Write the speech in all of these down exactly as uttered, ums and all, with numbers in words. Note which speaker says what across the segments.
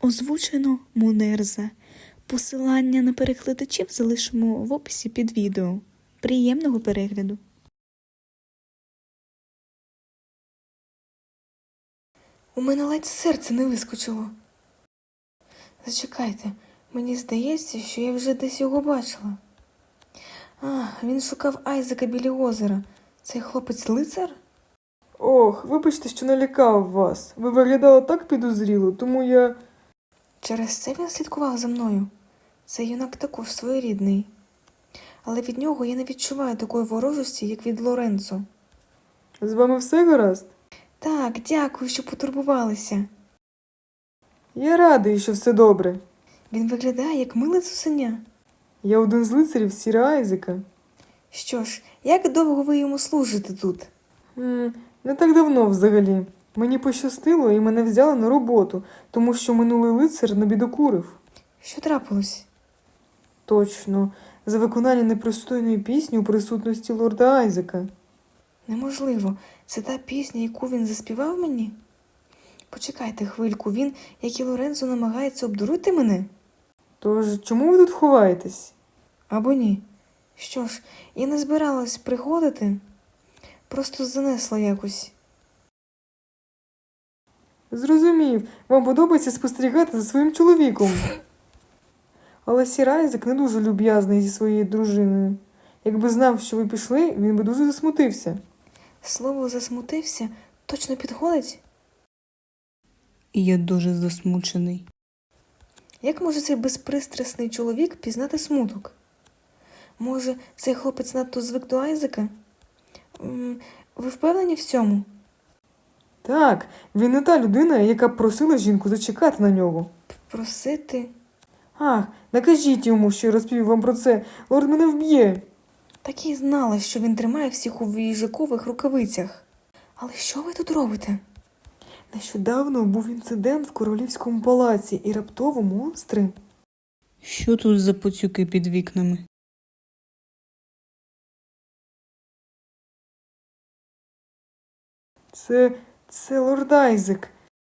Speaker 1: Озвучено Мунерза. Посилання на перекладачів залишимо в описі під відео. Приємного перегляду!
Speaker 2: У мене ледь серце не вискочило. Зачекайте, мені здається, що я вже десь його бачила. А, він шукав Айзека біля озера. Цей хлопець-лицар?
Speaker 3: Ох, вибачте, що налякав вас. Ви виглядали так підозріло, тому я...
Speaker 2: Через це він слідкував за мною. Цей юнак також своєрідний. Але від нього я не відчуваю такої ворожості, як від Лоренцо.
Speaker 3: З вами все гаразд?
Speaker 2: Так, дякую, що потурбувалися.
Speaker 3: Я радий, що все добре.
Speaker 2: Він виглядає, як миле цуценя.
Speaker 3: Я один з лицарів Сіра Айзека.
Speaker 2: Що ж, як довго ви йому служите тут?
Speaker 3: М, не так давно взагалі. Мені пощастило і мене взяли на роботу, тому що минулий лицар набідокурив.
Speaker 2: Що трапилось?
Speaker 3: Точно, за виконання непристойної пісні у присутності лорда Айзека.
Speaker 2: Неможливо. Це та пісня, яку він заспівав мені? Почекайте хвильку, він, як і Лоренцо, намагається обдурити мене?
Speaker 3: Тож, чому ви тут ховаєтесь?
Speaker 2: Або ні? Що ж, я не збиралась приходити, просто занесла якось.
Speaker 3: Зрозумів, вам подобається спостерігати за своїм чоловіком. Але Сір Айзек не дуже люб'язний зі своєю дружиною. Якби знав, що ви пішли, він би дуже засмутився.
Speaker 2: Слово «засмутився» точно підходить?
Speaker 1: Я дуже засмучений.
Speaker 2: Як може цей безпристрасний чоловік пізнати смуток? Може, цей хлопець надто звик до Айзека? М, Ви впевнені в цьому?
Speaker 3: Так, він не та людина, яка б просила жінку зачекати на нього.
Speaker 2: Просити?
Speaker 3: Ах, накажіть йому, що я розповів вам про це. Лорд мене вб'є.
Speaker 2: Так і знала, що він тримає всіх у їжакових рукавицях. Але що ви тут робите?
Speaker 3: Нещодавно був інцидент в королівському палаці, і раптово монстри.
Speaker 1: Що тут за поцюки під вікнами?
Speaker 3: Це... це лорд Айзек.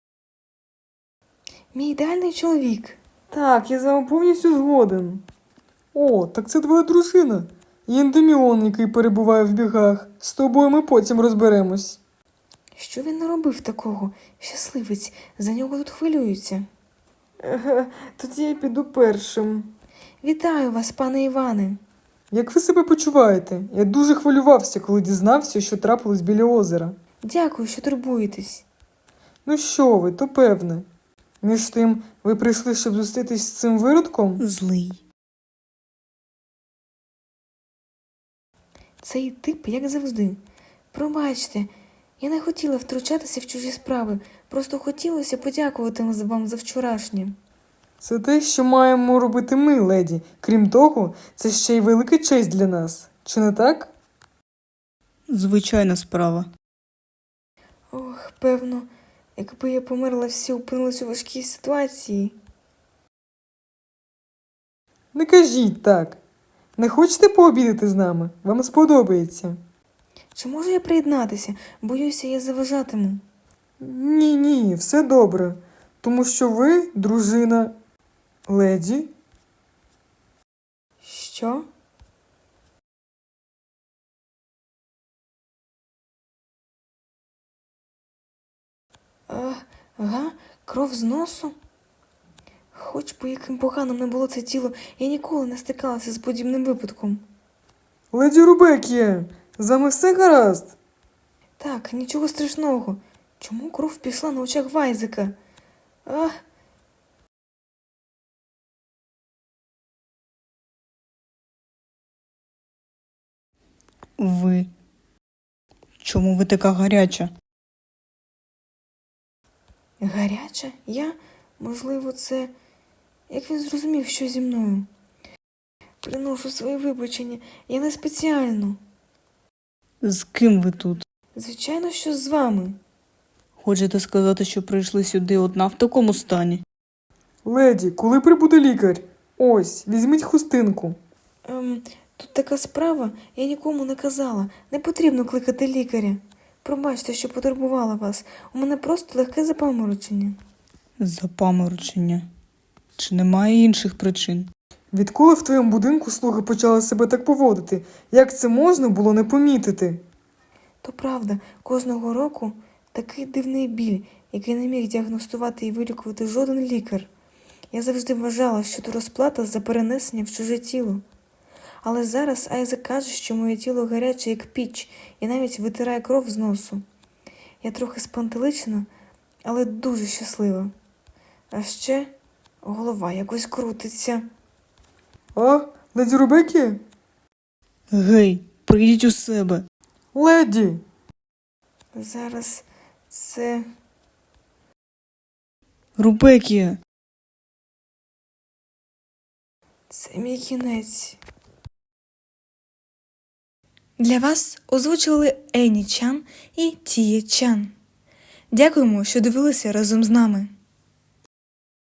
Speaker 2: Мій ідеальний чоловік.
Speaker 3: Так, я з вами повністю згоден. О, так це твоя дружина. Єндеміон, який перебуває в бігах. З тобою ми потім розберемось.
Speaker 2: Що він наробив такого? Щасливець, за нього тут хвилюються.
Speaker 3: Еге, тоді я піду першим.
Speaker 2: Вітаю вас, пане Іване.
Speaker 3: Як ви себе почуваєте? Я дуже хвилювався, коли дізнався, що трапилось біля озера.
Speaker 2: Дякую, що турбуєтесь.
Speaker 3: Ну що ви, то певне. Між тим, ви прийшли, щоб зустрітись з цим виродком?
Speaker 1: Злий.
Speaker 2: Цей тип, як завжди. Пробачте, я не хотіла втручатися в чужі справи, просто хотілося подякувати вам за вчорашнє.
Speaker 3: Це те, що маємо робити ми, леді. Крім того, це ще й велика честь для нас. Чи не так?
Speaker 1: Звичайна справа.
Speaker 2: Ох, певно, якби я померла, всі опинились у важкій ситуації.
Speaker 3: Не кажіть так. Не хочете пообідати з нами? Вам сподобається.
Speaker 2: Чи можу я приєднатися? Боюся, я заважатиму.
Speaker 3: Ні-ні, все добре. Тому що ви, дружина, леді.
Speaker 2: Що? А, га? Кров з носу? Хоч би яким поганим не було це тіло, я ніколи не стикалася з подібним випадком.
Speaker 3: Леді Рубекія, з вами все гаразд?
Speaker 2: Так, нічого страшного. Чому кров пішла на очах Вайзека? А...
Speaker 1: Ви. Чому ви така гаряча?
Speaker 2: Гаряча? Я? Можливо, це... Як він зрозумів, що зі мною? Приношу свої вибачення. Я не спеціально.
Speaker 1: З ким ви тут?
Speaker 2: Звичайно, що з вами.
Speaker 1: Хочете сказати, що прийшли сюди одна в такому стані?
Speaker 3: Леді, коли прибуде лікар? Ось, візьміть хустинку.
Speaker 2: Ем, тут така справа, я нікому не казала. Не потрібно кликати лікаря. Пробачте, що потурбувала вас. У мене просто легке запаморочення.
Speaker 4: Запаморочення. Чи немає інших причин?
Speaker 3: Відколи в твоєму будинку слуги почали себе так поводити? Як це можна було не помітити?
Speaker 2: То правда, кожного року такий дивний біль, який не міг діагностувати і вилікувати жоден лікар. Я завжди вважала, що то розплата за перенесення в чуже тіло. Але зараз Айзек каже, що моє тіло гаряче, як піч, і навіть витирає кров з носу. Я трохи спантеличена, але дуже щаслива. А ще голова якось крутиться.
Speaker 3: А, леді Рубекі?
Speaker 4: Гей, прийдіть у себе.
Speaker 3: Леді!
Speaker 2: Зараз це...
Speaker 4: Рубекія.
Speaker 2: це мій кінець.
Speaker 1: Для вас озвучували Ені Чан і Тіє Чан. Дякуємо, що дивилися разом з нами.